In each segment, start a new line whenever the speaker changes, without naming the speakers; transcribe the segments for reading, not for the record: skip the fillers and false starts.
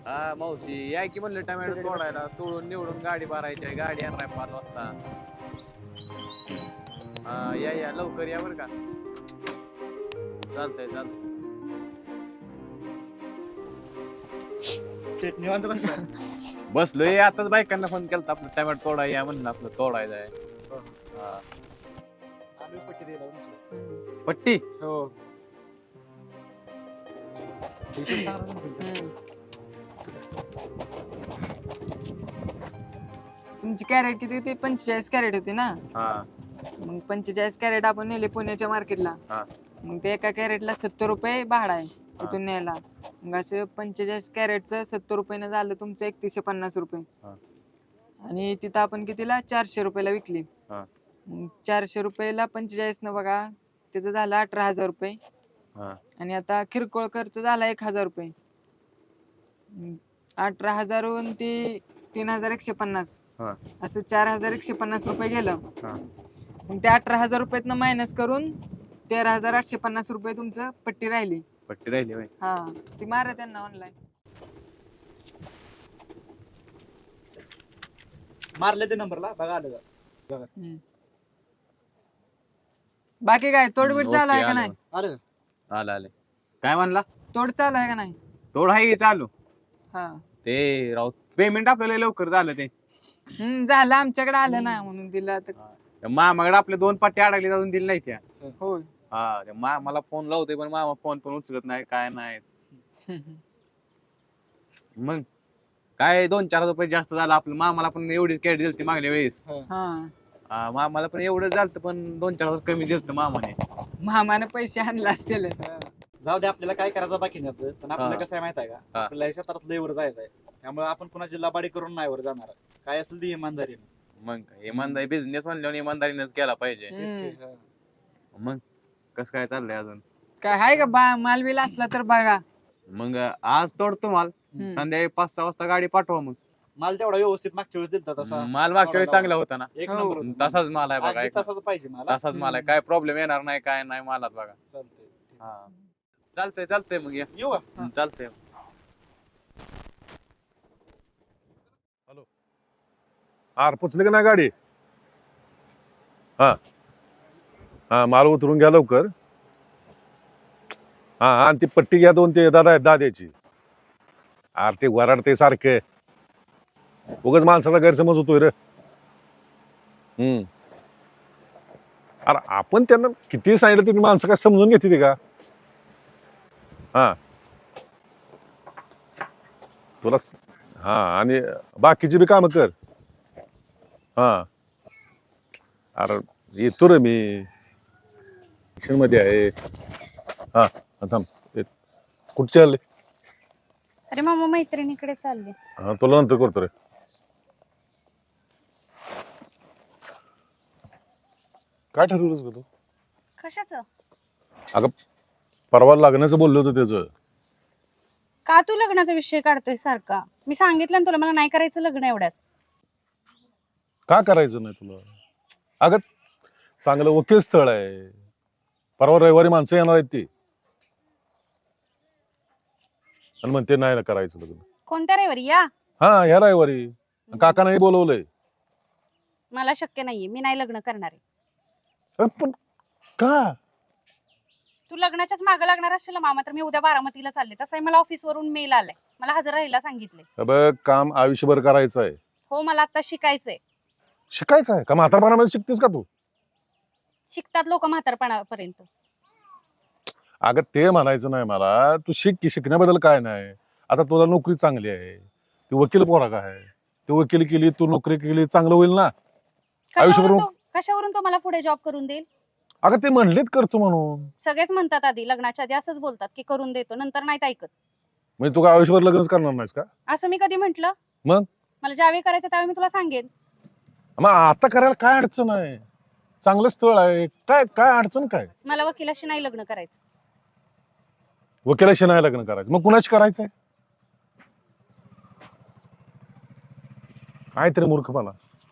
हा मावशी या की म्हणलं टमॅटो तोडायला तोडून निवडून गाडी भरायची आहे गाडी आणणार 5 वाजता. या लवकर या बरं का. चालतंय चालतंय.
निवांत बसला.
बसलोय आताच बायकांना फोन केला आपलं टमॅटो तोडाय या म्हणलं आपलं तोडायचं आहे. हा.
आम्ही पट्टी दिला तुमची.
पट्टी
हो. हिशोब सांगा तुमचा.
तुमची कॅरेट किती होती? 45 कॅरेट होती ना.
हा
मग 45 कॅरेट आपण नेले पुण्याच्या मार्केटला.
हा.
मग ते एका कॅरेटला 70 रुपये भाडा आहे तिथून न्यायला. मग असं 45 कॅरेटचं 70 रुपयानं झालं तुमचं 3150 रुपये. आणि तिथं आपण कितीला 400 रुपयाला विकली. मग 400 रुपयाला 45 न बघा त्याचं झालं 18,000 रुपये. आणि आता किरकोळ खर्च झाला 1,000 रुपये. 18,000 वरून ती 3,150 असं 4,150 रुपये गेलं. मग ते 18,000 रुपयातनं मायनस करून 13,850 रुपये तुमचं पट्टी राहिली.
पट्टी राहिली होय.
हा ती मारा त्यांना ऑनलाईन.
मारले ते नंबरला बघा आलं का.
बाकी काय तोडबीड चालू आहे का
आलं.
नाही?
आलं
आले काय म्हणला
तोड चालू आहे का नाही?
तोड आहे की चालू.
हा
ते राव पेमेंट आपल्याला लवकर झालं ते.
झालं आमच्याकडे आलं ना म्हणून दिलं तर.
मामाकडे आपले 2 पट्टी अडकली जाऊन दिली नाही त्या.
होय.
हा ते मामाला फोन लावते पण मामा फोन पण उचलत नाही काय नाही. मग काय 2-4 रुपये जास्त झालं आपलं. मामाला पण एवढीच कॅरेट दिलती मागल्या वेळेस. मामाला पण एवढं झालं पण 2-4 कमी दिलत मामाने.
मामाने पैसे आणले असतील.
जाऊ दे आपल्याला काय करायचं बाकी नाही पण आपल्याला
हा.
कसं आहे माहित आहे का आपल्याला क्षेत्रात लय वर जायचं आहे त्यामुळे आपण कुणाची लबाडी करून नाही वर जाणार काय असेल ती इमानदारी.
मग इमानदारी बिझनेस म्हणल्यावर इमानदारीनेच केला पाहिजे. मग कस काय चाललंय अजून?
काय आहे का माल बिल असला तर बघा.
मग आज तोडतो माल संध्याकाळी 5-6 वाजता गाडी पाठवा. मग
माल तेवढा व्यवस्थित मागच्या वेळेस दिलता तसा
माल मागच्या वेळी चांगला होता ना.
एक
हो.
नंबर होता.
तसाच माल आहे बघा.
अगदी तसाच पाहिजे मला.
तसाच माल आहे काय प्रॉब्लेम येणार नाही काय नाही मालात बघा.
चालतंय.
हा चालतंय मग या.
येऊ का?
चालतंय.
आर पुचली का नाही गाडी? हा माल उतरून घ्या लवकर. हा आणि ती पट्टी घ्या 2 ते दादा आहेत दाद्याची. आर ते वराडते सारखे उगाच माणसाचा गैरसमज होतोय रे. अरे आपण त्यांना किती सांगितलं तुम्ही माणसं काय समजून घेते ते का? हा तुला हा आणि बाकीची बी कामं कर. हा अरे येतो रे मी मध्ये आहे. हा थांब कुठचे आले?
अरे मामा मैत्रिणीकडे चालले.
हा तुला नंतर करतो रे. काय ठरवलंस ग तू?
कशाचं?
अगं परवा लग्नाचं बोललो होतं त्याचं.
का तू लग्नाचा विषय काढतोय सारखा? मी सांगितलं ना तुला मला नाही करायचं लग्न एवढ्यात.
का करायचं नाही तुला? अगं चांगलं वकील स्थळ आहे. परवा रविवारी माणसं येणार आहेत ती आणि म्हणते नाही ना करायचं लग्न.
कोणत्या रविवारी? या
हा ह्या रविवारी काकांनाही बोलवलंय.
मला शक्य नाहीये. मी नाही लग्न करणार आहे.
पण का?
तू लग्नाच्याच मागं लागणार असेल मामा तर मी उद्या बारामतीला चालले. तसंही मला ऑफिसवरून मेल आलाय. मला हजर राहायला सांगितलंय.
बघ काम आयुष्यभर करायचं आहे.
हो मला आता शिकायचंय.
शिकायचं आहे का? म्हातारपणामध्ये शिकतेस का तू?
शिकतात लोक म्हातारपणापर्यंत.
अगं ते म्हणायचं नाही मला. तू शिक की शिकण्याबद्दल काय नाही. आता तुला नोकरी चांगली आहे. ती वकील पोरा का आहे. ती वकील केली तू नोकरी केली चांगलं होईल ना आयुष्यभर.
कशावरून तो मला पुढे जॉब करून देईल?
अगं ते म्हणलेत करतो म्हणून.
सगळेच म्हणतात आधी लग्नाच्या आधी असंच बोलतात की करून देतो नंतर नाहीत ऐकत.
म्हणजे तू काय आयुष्यभर लग्नच करणार नाहीस का?
असं मी कधी म्हंटल?
मग
मला ज्यावेळी करायचं त्यावेळी मी तुला सांगेन.
मग आता करायला काय अडचण आहे? चांगलं स्थळ आहे. काय काय अडचण काय?
मला वकिलाशी नाही लग्न करायचं.
वकिलाशी नाही लग्न करायचं मग कुणाशी करायचंय? काय तरी मूर्खपणा.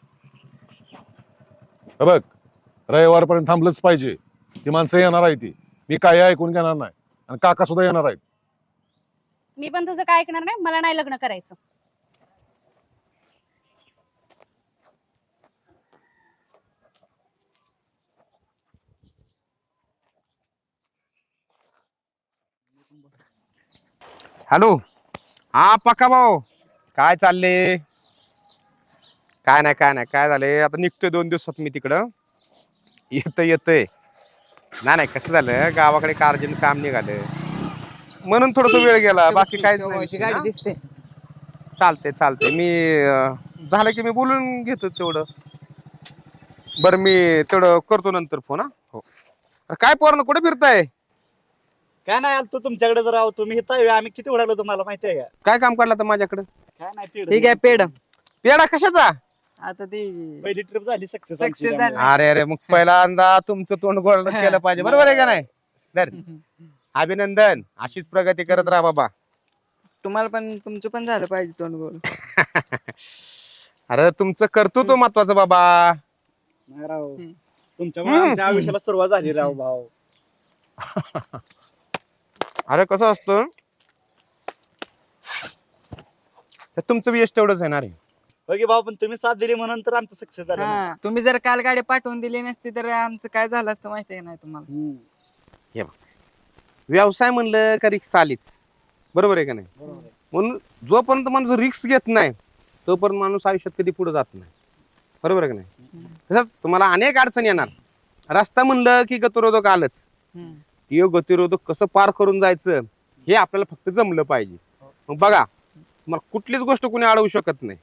बघ रविवारपर्यंत थांबलंच पाहिजे. ती माणसं येणार आहे ती. मी काय ऐकून घेणार नाही आणि काका सुद्धा येणार आहेत.
मी पण तुझं काय ऐकणार नाही, मला नाही लग्न करायचं.
हॅलो. हा पक्का भाऊ, काय चालले? काय नाही काय नाही, काय झालंय आता निघतोय 2 दिवसात मी तिकडं. येतोय. नाही कसं झालं, गावाकडे अर्जंट काम निघालं म्हणून थोडस वेळ गेला, बाकी काहीच नाही
शेवगावची
विषय.
गाडी
हा?
दिसते.
चालते मी झालं की मी बोलून घेतो तेवढं. बरं मी तेवढं करतो नंतर फोन. हा हो. अरे काय पोरांनो, कुठे फिरताय?
काय नाही आलतो तुमच्याकडे जर तुम्ही इथं आहे, आम्ही किती उडालो तुम्हाला माहिती आहे का?
काय काम काढलं तर माझ्याकडे?
काय नाही पेढ
ठीक आहे पेड.
पेडा कशाचा?
आता ती
पहिली ट्रिप झाली सक्सेस.
Success झाली.
अरे मग पहिल्यांदा तुमचं तोंड गोड केलं पाहिजे, बरोबर आहे का नाही? धर. अभिनंदन, अशीच प्रगती करत राहा बाबा.
तुम्हाला पण तुमचं पण झालं पाहिजे तोंड गोल.
अरे तुमचं कर्तृत्व महत्वाचं बाबा.
नाही राव, तुमच्यामुळे आमच्या आयुष्याला सुरुवात झाली राव भाऊ.
अरे कसं असतं, तुमचं यश तेवढंच येणार आहे.
ओके भाऊ, पण तुम्ही साथ दिली म्हणून तर आमचं सक्सेस झालं ना.
हा, तुम्ही जर काल गाडी पाठवून दिली नसती तर आमचं काय झालं असतं माहिती आहे नाही तुम्हाला.
हम्म.
व्यवसाय म्हणलं का रिक्स आलीच, बरोबर आहे का नाही?
बरोबर आहे.
म्हणून जोपर्यंत माणूस रिक्स घेत नाही तोपर्यंत माणूस आयुष्यात कधी पुढे जात नाही, बरोबर आहे का नाही? तसंच तुम्हाला अनेक अडचणी येणार. रस्ता म्हणलं की गतिरोधक आलंच. ते गतिरोधक कसं पार करून जायचं हे आपल्याला फक्त जमलं पाहिजे. मग बघा, तुम्हाला कुठलीच गोष्ट कोणी अडवू शकत नाही,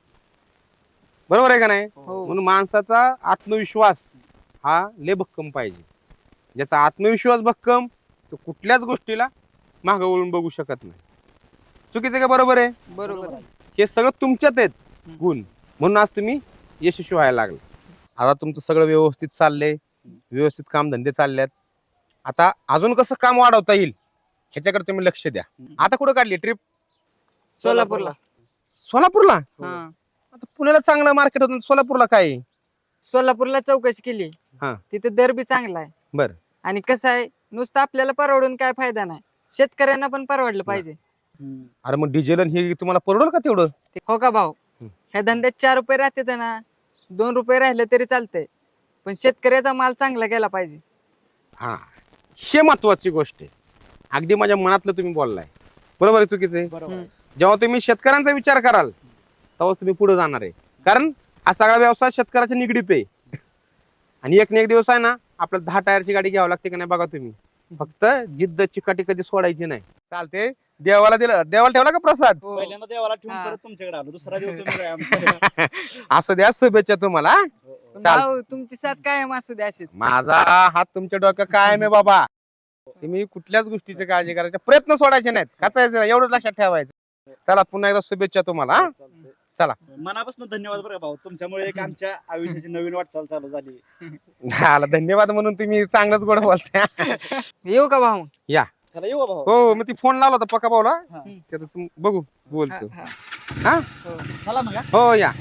बरोबर आहे का नाही?
हो.
म्हणून माणसाचा आत्मविश्वास हा लय भक्कम पाहिजे. ज्याचा आत्मविश्वास भक्कम तो कुठल्याच गोष्टीला मागं वळून बघू शकत नाही. चुकीचं का बरोबर आहे?
बरोबर आहे.
हे सगळं तुमच्यात आहेत गुण, म्हणून आज तुम्ही यशस्वी व्हायला लागले. आता तुमचं सगळं व्यवस्थित चाललंय, व्यवस्थित कामधंदे चाललेत. आता अजून कसं काम वाढवता येईल ह्याच्याकडे तुम्ही लक्ष द्या. आता कुठं काढली ट्रिप?
सोलापूरला.
सोलापूरला?
हा,
आता पुण्याला चांगलं मार्केट होतं, सोलापूरला काय आहे?
सोलापूरला चौकशी केली.
हा.
तिथे दर बी चांगला आहे.
बरं.
आणि कसं आहे, नुसतं आपल्याला परवडून काय फायदा नाही, शेतकऱ्यांना पण परवडलं पाहिजे.
हम्म.
अरे मग डिझेल आणि हे तुम्हाला परवडेल का तेवढं?
हो का भाऊ?
हम्म.
ह्या धंद्यात 4 रुपये राहते ना, 2 रुपये राहिले तरी चालतंय, पण शेतकऱ्याचा माल चांगला गेला पाहिजे.
हा, हे महत्वाची गोष्ट आहे. अगदी माझ्या मनातलं तुम्ही बोललाय, बरोबर आहे. चुकीचं आहे?
बरोबर आहे.
जेव्हा तुम्ही शेतकऱ्यांचा विचार कराल तेव्हाच तुम्ही पुढे जाणार आहे. कारण हा सगळा व्यवसाय शेतकऱ्याच्या निगडीत आहे. आणि एक ना एक दिवस आहे ना, आपल्याला 10 टायरची गाडी घ्यावी लागते का नाही बघा तुम्ही. फक्त जिद्द चिकाटी कधी सोडायची नाही. चालते. देवाला ठेवला का प्रसाद?
हो.
पहिल्यांदा देवाला ठेवून
हा.
परत तुमच्याकडे आलो, दुसरा दिवस तुम्ही काय आमचा.
असू द्या, शुभेच्छा तुम्हाला.
हो, हो.
पण
चाल.
भाऊ, तुमची साथ कायम असू द्या अशीच.
माझा हात तुमच्या डोक्यात कायम आहे बाबा. तुम्ही कुठल्याच गोष्टीची काळजी करायचे प्रयत्न सोडायचे नाहीत, खाचायचं एवढंच लक्षात ठेवायचं. चला, पुन्हा एकदा शुभेच्छा तुम्हाला. हा?
चालतंय.
चला.
मनापासून धन्यवाद बरं का भाऊ, तुमच्यामुळे एक आमच्या आयुष्याची नवीन वाटचाल चालू झाली.
झालं, धन्यवाद म्हणून तुम्ही चांगलंच गोड बोलताय.
येऊ का भाऊ?
चला येऊ का भाऊ.
हो, मग ती फोन लावला होता पक्का भाऊला,
हा.
त्यातच बघू बोलतो.
हा,
हा?
हो.
चला मग हा.
हो या.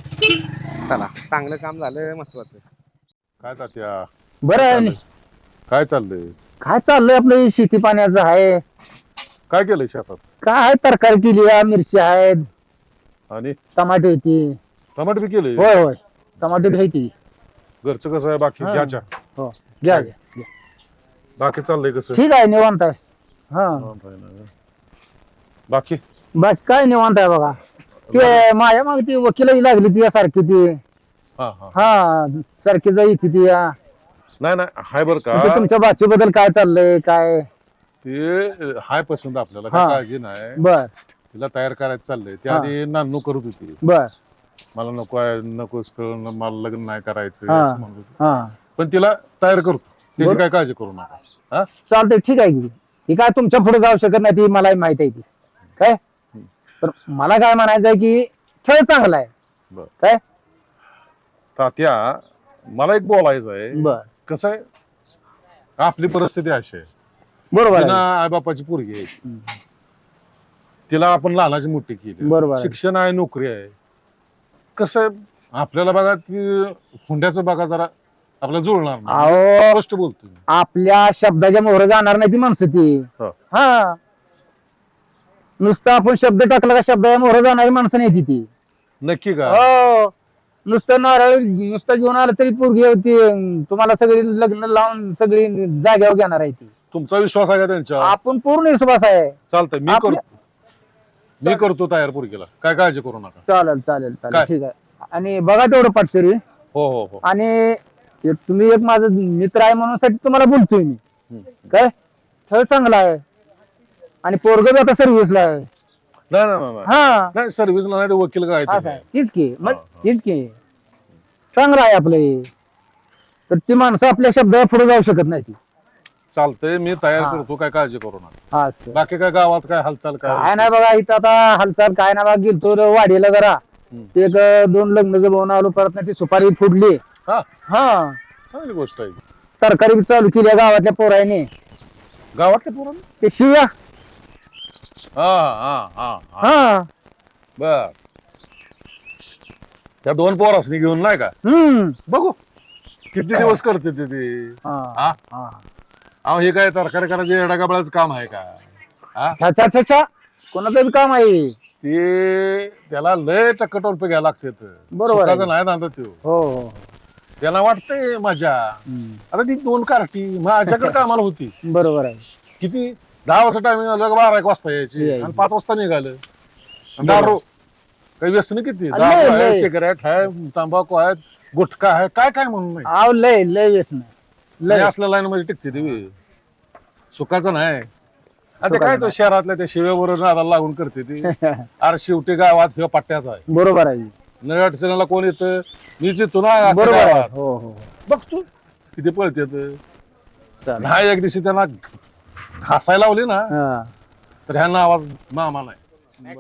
चला, चांगलं काम झालं, महत्वाचं.
काय तात्या,
बरं आहे नी.
काय चाललंय?
काय चाललंय आपलं शेती पाण्याचं आहे.
काय केलंय शेतात?
काय आहे, तरकारी केली आहे, मिरची आहेत,
आणि
टमाटे होती.
टमाटे बी केले?
होय होय, टमाटे बी आहे ती.
घरचं कसं आहे बाकी?
हा.
घ्याच्या
हो, घ्या घ्या.
बाकी चाललंय कसं?
ठीक आहे, निवांत आहे. हा,
बाकी
बस काय निवांत आहे बघा. ते माझ्या मागे ती वकिलाची लागली ती सारखी ती.
हा हा
हा, सारखी जायची ती या.
नाही नाही, हाय बर का,
ते तुमच्या बाचीबद्दल काय चाललंय काय?
ते हाय पसंत आपल्याला,
हा.
काय काळजी नाही.
बर
तिला तयार करायचं चाललंय. ते
हा.
आधी नानू करत होती,
बर.
मला नको आहे, नको स्थळ, मला लग्न नाही करायचं
हा.
असं म्हणत होती.
हा,
पण तिला तयार करतो, त्याची
बरं.
काय काळजी करू नका. हा,
चालतंय, ठीक आहे की. ही काय तुमच्या पुढे जाऊ शकत नाही, ती मलाही माहित आहे ती. काय तर मला काय म्हणायचं आहे की खेळ चांगला आहे.
बरं.
काय
तात्या, मला एक बोलायचं आहे.
बर,
कसं आहे, आपली परिस्थिती अशी आहे,
बरोबर
तिला
आहे.
आईबापाची पोरगी आहे, तिला आपण लहानाची मोठी केली,
बरोबर आहे.
शिक्षण आहे, नोकरी आहे. कसं आहे, आपल्याला बघा ती हुंड्याचं बघा जरा आपल्याला जुळणार नाही.
अहो,
स्पष्ट बोलतो मी.
आपल्या शब्दाच्या मोहर जाणार नाही ती माणसं ती.
हो.
हा, नुसतं आपण शब्द टाकला का शब्द मोहर जाणारी माणसं नाही ती
नक्की का
हो नुसतं नारळ नुसतं घेऊन आलं तरी पोरगी होती तुम्हाला सगळी लग्न लावून सगळी जाग्यावर घेणार आहे ती
तुमचा विश्वास आहे का त्यांच्यावर
आपण पूर्ण विश्वास आहे
चालतंय मी
आपल्या-
करतो मी करतो तयार पोरगीला काय काळजी करू नका
चालेल चालेल चालेल
काय?
ठीक आहे आणि बघा तेवढं पाटसरी
हो हो हो
आणि तुम्ही एक माझा मित्र आहे म्हणून साठी तुम्हाला बोलतोय मी
हम्म.
काय स्थळ चांगला आहे आणि पोरग बी आता सर्व्हिसला आहे
नाही नाही, नाही
हा
नाही सर्व्हिसला नाही ते वकील काय
असं आहे तीच की मग
हा, हा.
तीच की चांगलं आहे आपलं हे. तर ती माणसं आपल्या शब्दावर पुढे जाऊ शकत नाही ती
चालतंय मी तयार
हा.
करतो काय काळजी करू नका
हा असं.
बाकी काय गावात काय हालचाल
काय
काय
नाही बघा इथं आता हालचाल काय नाही बघा गेलतो वाडीला जरा
हम्म.
एक 2 लग्न जमवून आलो परत नाही ती सुपारी फुडली
हा
हा
चांगली गोष्ट आहे
तरकारी बी चालू केली आहे गावातल्या पोराने
गावातले पोरं
ते शिव्या
हा हा हा हा
हा
बर त्या 2 पोरासनी घेऊन नाही का बघू किती दिवस करते ते
हा
हा?
हा
अहो हे काय तरकारी करायचे येडागाबळाचं काम आहे का हा
छा छा छा छा कोणाचं बी काम आहे
ते त्याला लय टक्कटोरपे घ्यायला लागते
बरोबर आहे.
सुखाचं नाही ना त्यो
हो हो
त्याला वाटतंय मजा
हम्म.
आता ती 2 कार्टी माझ्याकडे कामाला होती
बरोबर आहे
किती 10 वाजता टायमिंग आलं 12-1 वाजता यायची
यायची.
आणि 5 वाजता निघालं आणि
बरोबर.
दारू काही व्यसन किती
लय,
दारू आहे
लय.
सिगारेट आहे तंबाखू आहे गुटखा आहे काय काय म्हणून नाही
आव लय लय व्यसन
लय
लय
असल्या लाईन मध्ये टिकते ती सुखाचं नाही आता
सुखाचं
काय तो
नाही.
शहरातल्या त्या शिव्याबरोबर नादाला लागून करते ती अरे शेवटी गावात ह्यो पट्ट्याचा आहे
बरोबर आहे
नव्या अडचणीला कोण येतं मी जितो ना अख्ख्या
बरोबर आहे
गावात.
हो हो
बघ तू किती पळते
चालेल.
नाही एक दिवशी त्यांना घासायला लावली ना
हा.
तर ह्यांना आवाज मामा नाही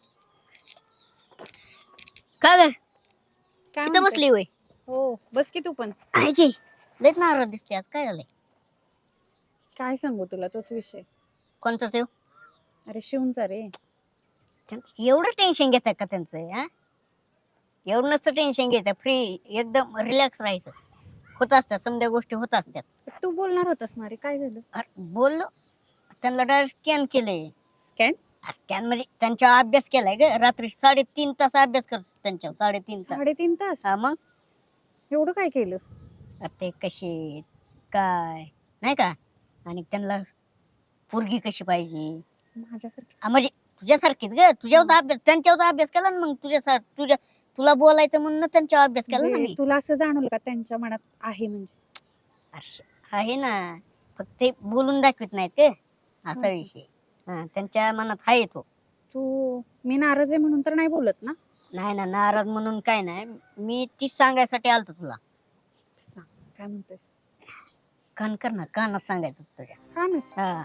का ग
काय
इथं
म्हणते?
बसली होय
हो बस की तू पण
आहे की लयच नाराज दिसते आज काय झालंय
काय सांगू तुला तोच विषय
कोणतं सेव
अरे शिवूनचा रे
एवढं टेन्शन घेतात का त्यांचं हा एवढं नसतं टेन्शन घ्यायचं फ्री एकदम रिलॅक्स राहायचं होत असतात समजा गोष्टी होत असतात
तू बोलणार होतास ना रे काय झालं
अरे बोललो त्यांना डायरेक्ट स्कॅन केले
स्कॅन
स्कॅन म्हणजे त्यांच्यावर अभ्यास केलाय ग रात्री 3.5 तास अभ्यास करतो त्यांच्यावर 3.5 तास
3.5 तास
हा मग
एवढं काय केलंस
आता ते कसे काय नाही का आणि त्यांना पोरगी कशी पाहिजे
माझ्यासारखी
म्हणजे तुझ्यासारखीच ग तुझ्यावर अभ्यास त्यांच्यावर अभ्यास केला ना मग तुझ्या तुला बोलायचं म्हणून त्यांच्यावर अभ्यास केला ना
म्हणजे
मी
तुला असं जाणवलं का त्यांच्या मनात आहे म्हणजे
अरे, आहे ना फक्त ते बोलून दाखवत नाहीत का असा विषय हा त्यांच्या मनात आहे तो
तू मी नाराज आहे म्हणून तर नाही बोलत ना
नाही ना नाराज म्हणून काय नाही मी तीच सांगायसाठी आलतो तुला
सांग काय म्हणतोयस
कान कर ना कानात सांगायचं तुझ्या
का नाही
हा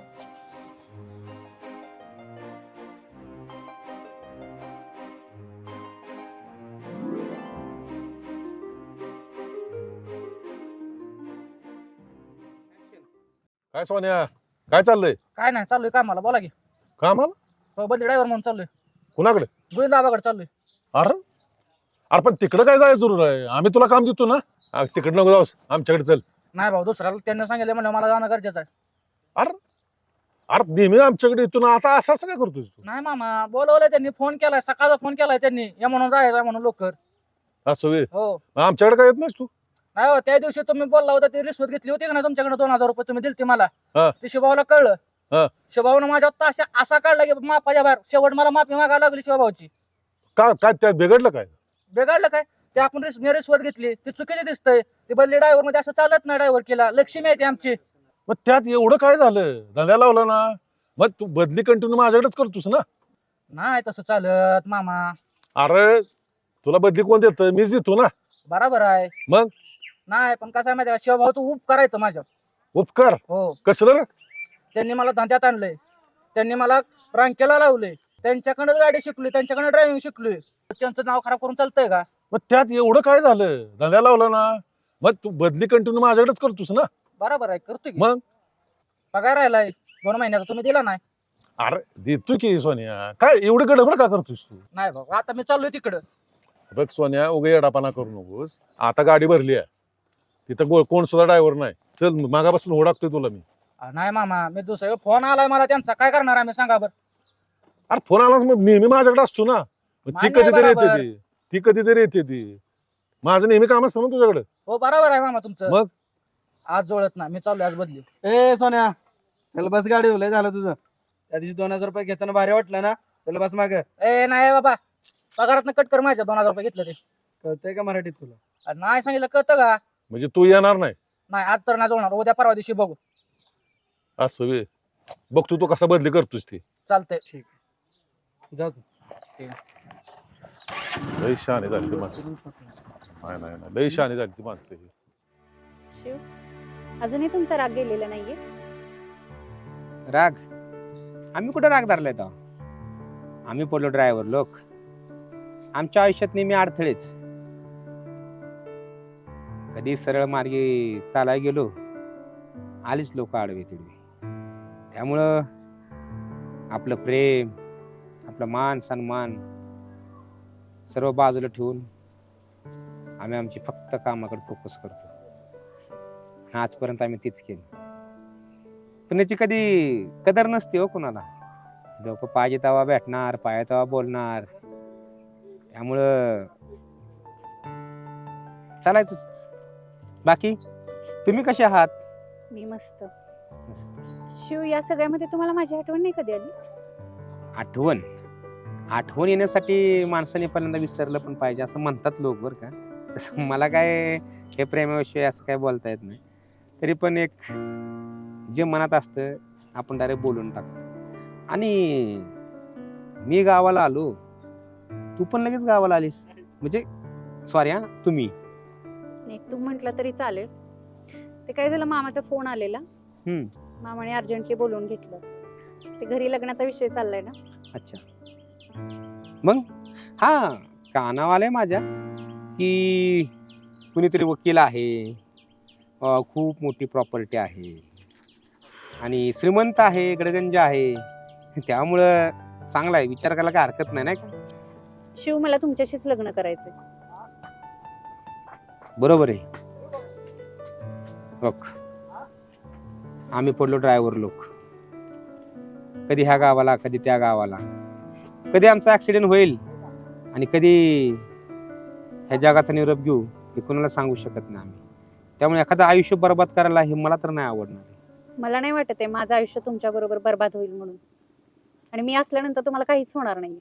काय सोन्या काय चाललंय
काय नाही चाललोय कामाला बोला की
कामाला
बदली ड्रायव्हर म्हणून चाललोय
कुणाकडे
गोविंदाबाकडे चाललोय
अरे अरे पण तिकडे काय जायचं जरूर आहे आम्ही तुला काम देतो ना तिकडे नको जाऊस आमच्याकडे चल
नाही भाऊ दुसऱ्याला त्यांनी सांगितलं म्हणलं मला जाणं गरजेचं आहे
अरे अरे नेहमी आमच्याकडे येतो ना आता असं काय करतोय तू
नाही मामा बोलवलंय त्यांनी फोन केलाय सकाळचा फोन केलाय त्यांनी या म्हणून जायचं म्हणून लवकर
असं वे
हो
आमच्याकडे काय येत नाहीस तू
नाही हो त्या दिवशी तुम्ही बोलला होता ती रिश्वत घेतली होती का नाही तुमच्याकडे 2000 रुपये तुम्ही दिलते मला
हा.
ते शिवभाऊला कळलं
हा.
शिवभाऊनं माझ्या ताशा असा काढला की मापाच्या बाहेर शेवट मला माफी मागायला लागली शिवभाऊची
काय काय त्यात बिघडलं काय
बिघडलं काय ते आपण रिश्वत घेतली ती चुकीची दिसतंय ती बदली ड्रायव्हर मध्ये असं चालत नाही ड्रायव्हर केला लक्ष्मी आहे ती आमची
मग त्यात एवढं काय झालं धंद्या लावला ना मग तू बदली कंटिन्यू माझ्याकडेच करतोस ना
नाही तसं चालत मामा
अरे तुला बदली कोण देत मीच देतो ना
बरोबर आहे
मग?
नाही पण कसं आहे माहिती आहे का शिवभाऊचं उप करायचं माझ्या
उपकार
हो
कसलं रे
त्यांनी मला धंद्यात आणलंय त्यांनी मला रांकेला लावलंय त्यांच्याकडे गाडी शिकलोय त्यांच्याकडे ड्रायव्हिंग शिकलोय त्यांचं नाव खराब करून चालतंय का
मग त्यात एवढं काय झालं धंद्या लावला ना मग तू बदली कंटिन्यू माझ्याकडेच करतोस ना
बरोबर आहे करतोय की.
मग?
पगार राहिलाय 2 महिन्याचा तुम्ही दिला नाही
अरे देतो की सोन्या काय एवढं गडबड का करतोस तू
नाही बाबा आता मी चाललोय तिकडं
बघ सोन्या उगे येडापाना करू नकोस आता गाडी भरली आहे तिथं कोण सुद्धा ड्रायव्हर नाही चल मागापासून ओळखतोय तुला मी
नाही मामा मी दुसऱ्या फोन आलाय मला त्यांचा काय करणार आम्ही सांगा बरं
अरे फोन आलाच मग नेहमी माझ्याकडे असतो ना. मग ती
मान्य आहे
कधीतरी येते
बरोबर.
ती कधीतरी येते ती. माझं नेहमी काम असतं ना तुझ्याकडे.
हो बरोबर आहे मामा तुमचं.
मग?
आज जोडत ना मी चाललोय आज बदली.
ए सोन्या चल बस गाडी लय झालं तुझं. त्या दिवशी 2000 रुपये घेताना भारी वाटलं ना. चल बस माग.
ए नाही बाबा पगारात कट कर माझ्या 2000 रुपये घेतलं ते.
कळतंय का मराठीत तुला?
अरे नाही सांगितलं कळतं का?
म्हणजे तू येणार नाही
नाही आज तर नाही जोडणार, उद्या परवा दिवशी बघू.
असं वे. बघ तू कसा बदली करतोस ती.
चालतंय.
ठीक आहे जा तू.
लय शहाणी झाली ती माणसं. नाही नाही नाही, लय शहाणी झाली ती माणसं ही.
शिव अजूनही तुमचा राग गेलेला नाहीये.
राग आम्ही कुठं राग धरलाय तर आम्ही पडलो ड्रायव्हर लोक. आमच्या आयुष्यात नेहमी अडथळेच. कधी सरळ मार्गी चालाय गेलो आलीच लोक आडवे तिडवे. त्यामुळं आपलं प्रेम आपलं मान सन्मान सर्व बाजूला ठेवून आम्ही आमची फक्त कामाकडे फोकस करतो. आजपर्यंत आम्ही तीच केली. पण याची कधी कदर नसते हो कोणाला. लोक पाहिजे तेव्हा भेटणार पाहिजे तेव्हा बोलणार. त्यामुळं चालायचं. बाकी तुम्ही कसे आहात?
मी मस्त.
मस्त.
शिव या सगळ्यामध्ये तुम्हाला माझी आठवण नाही कधी आली?
आठवण येण्यासाठी माणसाने पहिल्यांदा विसरलं पण पाहिजे असं म्हणतात लोक बरं का. तसं मला काय हे प्रेमाविषयी असं काय बोलता येत नाही. तरी पण एक जे मनात असतं आपण डायरेक्ट बोलून टाकतो. आणि मी गावाला आलो तू पण लगेच गावाला आलीस म्हणजे सॉरी हा तुम्ही.
नाही तू म्हटलं तरी चालेल. ते काय झालं मामाचा फोन आलेला. मामाने अर्जंटली बोलवून घेतलं. ते घरी लग्नाचा विषय चाललाय ना.
अच्छा मग हा कानावर आलंय माझ्या की कुणीतरी वकील आहे. खूप मोठी प्रॉपर्टी आहे आणि श्रीमंत आहे गडगंज आहे. त्यामुळं चांगला आहे विचार करायला काय हरकत नाही का.
शिव मला तुमच्याशीच लग्न करायचंय.
बरोबर आहे. बघ आम्ही पडलो ड्रायव्हर लोक. कधी ह्या गावाला कधी त्या गावाला. कधी आमचा ऍक्सिडेंट होईल आणि कधी ह्या जगाचा निरोप घेऊ हे कोणाला सांगू शकत नाही आम्ही. त्यामुळे एखादं आयुष्य बर्बाद करायला हे मला तर नाही आवडणार.
मला नाही वाटत आहे माझं आयुष्य तुमच्या बरोबर बर्बाद होईल म्हणून. आणि मी असल्यानंतर तुम्हाला काहीच होणार नाही.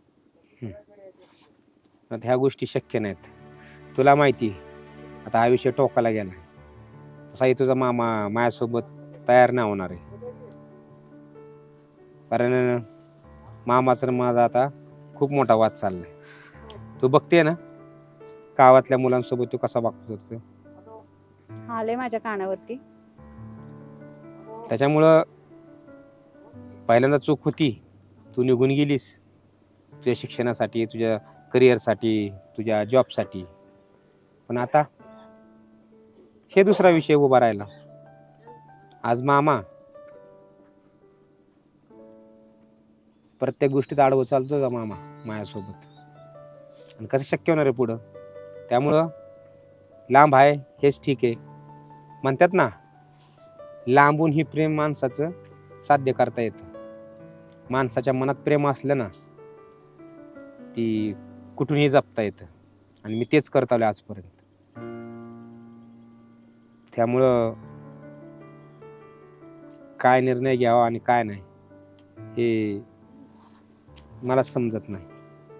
ह्या गोष्टी शक्य नाहीत. तुला माहिती आता हा विषय टोकाला गेला. तसाही तुझा मामा माझ्यासोबत तयार नाही होणार आहे. कारण मामाचा माझा आता खूप मोठा वाद चाललाय. तू बघते ना गावातल्या मुलांसोबत तू कसा वागतो.
आले माझ्या कानावरती.
त्याच्यामुळं पहिल्यांदा चूक होती. तू निघून गेलीस तुझ्या शिक्षणासाठी तुझ्या करिअरसाठी तुझ्या जॉबसाठी. पण आता हे दुसरा विषय उभा राहिला. आज मामा प्रत्येक गोष्टीत आडवं चालतो का मामा माझ्यासोबत. आणि कसं शक्य होणार आहे पुढं. त्यामुळं लांब आहे हेच ठीक आहे. म्हणतात ना लांबून ही प्रेम माणसाचं साध्य करता येतं. माणसाच्या मनात प्रेम असलं ना ती कुठूनही जपता येतं. आणि मी तेच करत आलोय आजपर्यंत. त्यामुळं काय निर्णय घ्यावा आणि काय नाही हे मला समजत नाही.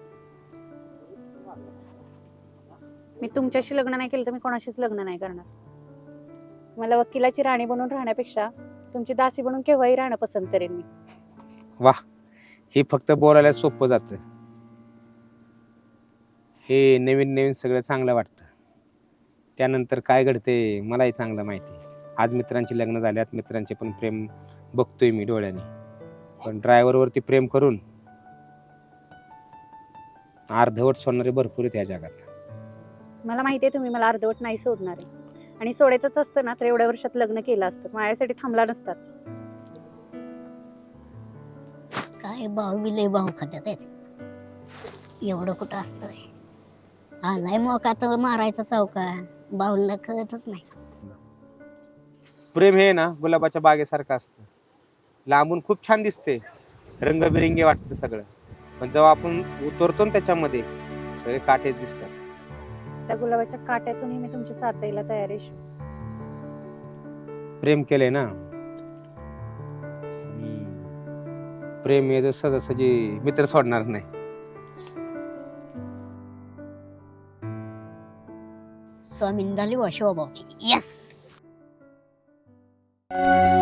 मी तुमच्याशी लग्न नाही केलं तर मी कोणाशीच लग्न नाही करणार. मला वकिलाची राणी बनून राहण्यापेक्षा तुमची दासी बनून केव्हाही राहणं पसंत करेन मी.
वा हे फक्त बोलायला सोपं जातं. हे नवीन नवीन सगळं चांगलं वाटतं. त्यानंतर काय घडते मलाही चांगलं माहिती. आज मित्रांची लग्न झाल्यात मित्रांचे पण प्रेम बघतोय मी डोळ्याने. पण ड्रायव्हरवरती प्रेम करून अर्धवट सोडणारे भरपूर आहेत या जगात.
मला माहिती आहे तुम्ही मला अर्धवट नाही सोडणार आहे. आणि सोडायचंच असतं ना तर एवढ्या वर्षात लग्न केलं असतं. माझ्यासाठी थांबला नसतात.
काय भाऊ बी लय भाऊ खात्यात. एवढं कुठं असतं. आलाय मोका तर मारायचा चौका. बाहुला कळतच नाही.
प्रेम हे ना गुलाबाच्या बागेसारखं असतं. लांबून खूप छान दिसते रंगबिरंगी वाटतं सगळं, पण जेव्हा आपण उतरतो ना त्याच्यामध्ये सगळे काटेच दिसतात.
त्या गुलाबाच्या काट्यातूनही मी तुमची साथ द्यायला तयार आहे.
प्रेम केलंय ना. प्रेम हे सहजासहजी मित्र सोडणार नाही.
स्वामीन झाली वा शिवभाऊची. येस